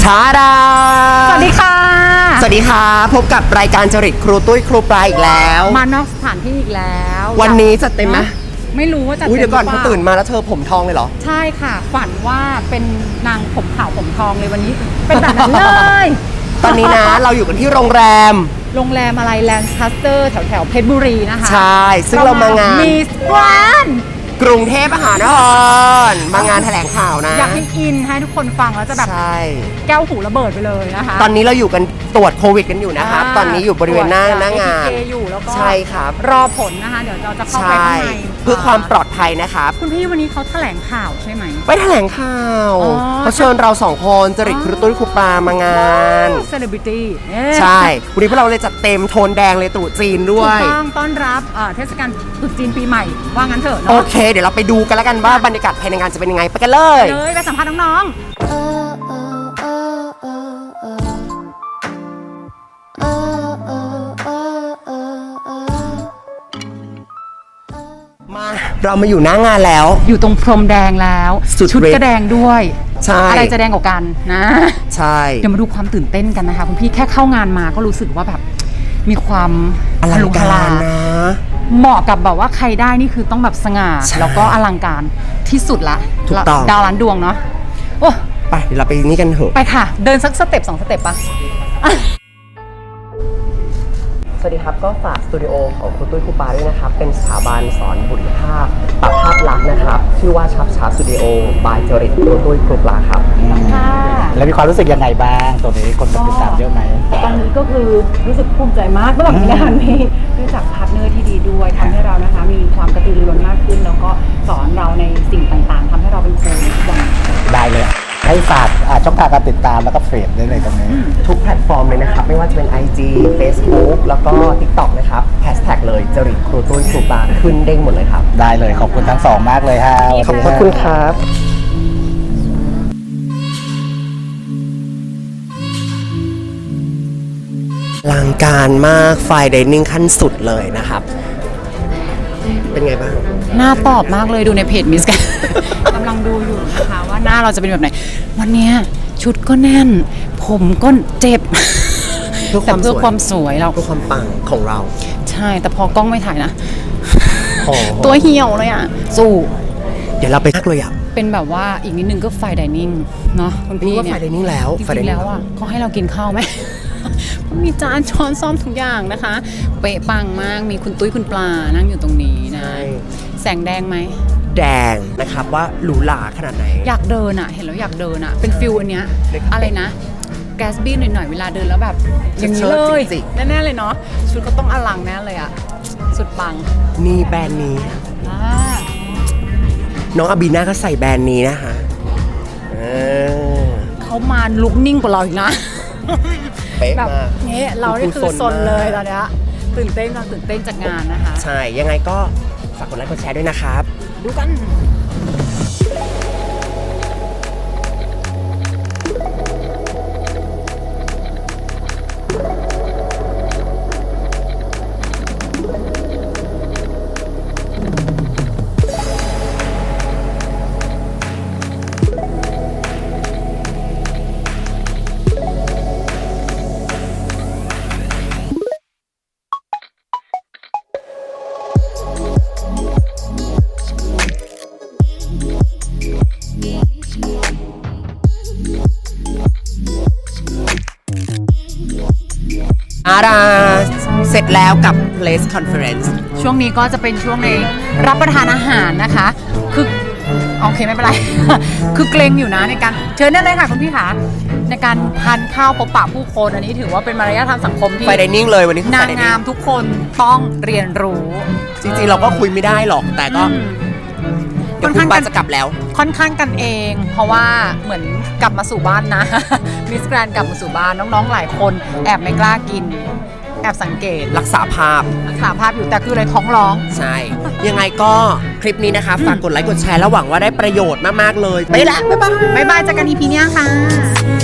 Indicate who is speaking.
Speaker 1: ชาดา
Speaker 2: สวัสดีค่ะ
Speaker 1: สวัสดีค่ะพบกับรายการจริตครูตุ้ยครูปลาอีกแล้ว
Speaker 2: มานอกสถานที่อีกแล้ว
Speaker 1: วันนี้จัดเต็มไหม
Speaker 2: ไม่รู้ว่าจัดเต็ม
Speaker 1: เดี๋ยวก่อนเขาตื่นมาแล้วเธอผมทองเลยเหรอ
Speaker 2: ใช่ค่ะฝันว่าเป็นนางผมขาวผมทองเลยวันนี้เป็นแบบนั้นเลย
Speaker 1: ตอนนี้นะเราอยู่กันที่โรงแรม
Speaker 2: อะไรแลนด์คัสเตอร์แถวเพชรบุรีนะคะ
Speaker 1: ใช่ซึ่งเรามางาน
Speaker 2: มิสแกรนด์
Speaker 1: กรุงเทพมหานครมางานแถลงข่าวนะ
Speaker 2: อยากให้อินให้ทุกคนฟังแล้วจะแบบแก้วหูระเบิดไปเลยนะคะ
Speaker 1: ตอนนี้เราอยู่กันตรวจโควิดกันอยู่นะครับตอนนี้อยู่บริเวณหน้างาน
Speaker 2: อยู่แล้วก็
Speaker 1: ใช่ครับ
Speaker 2: รอผลนะคะเดี๋ยวเราจะเข้าไปข้างใน
Speaker 1: เพื่อความปลอดภัยนะครับ
Speaker 2: คุณพี่วันนี้เขาแถลงข่าวใช่ไหม
Speaker 1: ไปแถลงข่าวเขาเชิญเรา2คนจริตครูตุ้ยครูปลามางาน
Speaker 2: เซเลบริตี้
Speaker 1: ใช่วันนี้พวกเราเลยจัดเต็มโทนแดงเลยตรุษจีนด้วย
Speaker 2: ถูกต้องต้อนรับเทศกาลตรุษจีนปีใหม่ว่างั้นเถอะ
Speaker 1: โอเคเดี๋ยวเราไปดูกันแล้วกันว่าบรรยากาศภายในงานจะเป็นยังไงไปกันเลย
Speaker 2: ไปสัมภาษณ์น้อง
Speaker 1: มาเรามาอยู่หน้างานแล้ว
Speaker 2: อยู่ตรงพรมแดงแล้วชุดก็แดงด้วย
Speaker 1: ใช่
Speaker 2: อะไรจะแดงกว่ากันนะ
Speaker 1: ใช่
Speaker 2: เดี๋ยวมาดูความตื่นเต้นกันนะคะคุณพี่แค่เข้างานมาก็รู้สึกว่าแบบมีความ
Speaker 1: อลังการนะ
Speaker 2: เหมาะกับแบบว่าใครได้นี่คือต้องแบบสง่าแล้วก็อลังการที่สุดละ
Speaker 1: ถูกต้อง
Speaker 2: ดาวล้านดวงเนาะโอ้
Speaker 1: ไปเดี๋ยวเราไปนี่กันเถอะ
Speaker 2: ไปค่ะเดินสักสเต็ป2 สเต็ปปะ
Speaker 1: สวัสดีครับก็ฝากสตูดิโอของครูตุ้ยครูปาด้วยนะครับเป็นสถาบันสอนบุคลิกภาพปรับภาพลักษณ์นะครับชื่อว่าชับชาสตูดิโอบายจริตครูตุ้ยครูปลาครับ
Speaker 2: ค่ะ
Speaker 3: แล้วมีความรู้สึกยังไงบ้างตัวนี้คนติดตามเยอะไหม
Speaker 2: ตอนนี้ก็คือรู้สึกภูมิใจมากระหว่างงานนี้ด้วยจากพาร์ทเนอร์ที่ดีด้วยทำให้เรานะคะมีความกระตือรือร้นมากขึ้นแล้วก็สอนเราในสิ่งต่างๆทำให้เราเป็นครูทุกวัน
Speaker 3: ได้เลยให้ฝากช่องทางการติดตามแล้วก็เฟซได้เลยตรงนี้
Speaker 1: ทุกแพลตฟอร์มเลยนะครับไม่ว่าจะเป็น IG Facebook แล้วก็ TikTok นะครับแฮชแท็กเลยจริตครูตุ้ยครูปลาขึ้นเด้งหมดเลยครับ
Speaker 3: ได้เลยขอบคุณทั้งสองมากเลยฮะ
Speaker 1: ขอบคุณครับลังการมากไฟไดนิ่งขั้นสุดเลยนะครับเป็นไงบ้าง
Speaker 2: หน้าตอบมากเลยดูในเพจมิสกันกำลังดูอยู่นะคะว่าหน้าเราจะเป็นแบบไหนวันนี้ชุดก็แน่นผมก็เจ็บแต่เพื่อความสวยเรา
Speaker 1: เพื่อความปังของเรา
Speaker 2: ใช่แต่พอกล้องไม่ถ่ายนะตัวเหี่ยวเลยอ่ะสู้
Speaker 1: เดี๋ยวเราไปทักเลยอ่ะ
Speaker 2: เป็นแบบว่าอีกนิดนึงก็ไฟไดนิ่งเนาะคุณพี่
Speaker 1: เนี่ยไฟไดนิ่งแล้ว
Speaker 2: จริงๆแล้วอ่ะเขาให้เรากินข้าวไหมมีจานช้อนซ่อมทุกอย่างนะคะเป๊ะปังมากมีคุณตุ้ยคุณปลานั่งอยู่ตรงนี้นะแสงแดงไหม
Speaker 1: แดงนะครับว่าหรูหราขนาดไหน
Speaker 2: อยากเดินอ่ะเห็นแล้วอยากเดินอ่ะเป็นฟิลอันเนี้ยอะไรนะแกสบี้หน่อยๆเวลาเดินแล้วแบบอย่างนี้เลยแน่ๆเลยเนาะชุดก็ต้องอลังแน่เลยอ่ะสุดปัง
Speaker 1: นี่แบรนด์นี้น้องอาบีน่าก็ใส่แบรนด์นี้นะคะ
Speaker 2: เขามาลุกนิ่งกว่าเราอีกนะ
Speaker 1: แบบ
Speaker 2: นี้เราได้คือซนเลยตอนนี้ตื่นเต้นจากงานนะคะ
Speaker 1: ใช่ยังไงก็ฝากกดไลค์กดแชร์ด้วยนะครับ
Speaker 2: ดูกัน
Speaker 1: เสร็จแล้วกับ Place Conference
Speaker 2: ช่วงนี้ก็จะเป็นช่วงในรับประทานอาหารนะคะคือโอเคไม่เป็นไร คือเกรงอยู่นะในการเชิญได้เลยค่ะคุณพี่ขาในการทานข้าวพบปะผู้คนอันนี้ถือว่าเป็นมารยาททางสังคมที่
Speaker 1: ไฟไดนิ่งเลยวันนี้
Speaker 2: นางงามทุกคนต้องเรียนรู้
Speaker 1: จริงๆเราก็คุยไม่ได้หรอกแต่ก็เดี๋ยวคุณบ้านจะกลับแล้ว
Speaker 2: ค่อนข้างกันเองเพราะว่าเหมือนกลับมาสู่บ้านนะมิสแกรนด์กลับมาสู่บ้านน้องๆหลายคนแอบไม่กล้ากินแอบสังเกต
Speaker 1: รักษาภาพ
Speaker 2: อยู่แต่คืออะไรท้องร้อง
Speaker 1: ใช่ยังไงก็คลิปนี้นะคะฝากกดไลค์กดแชร์แล้วหวังว่าได้ประโยชน์มากๆเลยไปละบ๊ายบาย
Speaker 2: เจอกัน EP เนี้ยค่ะ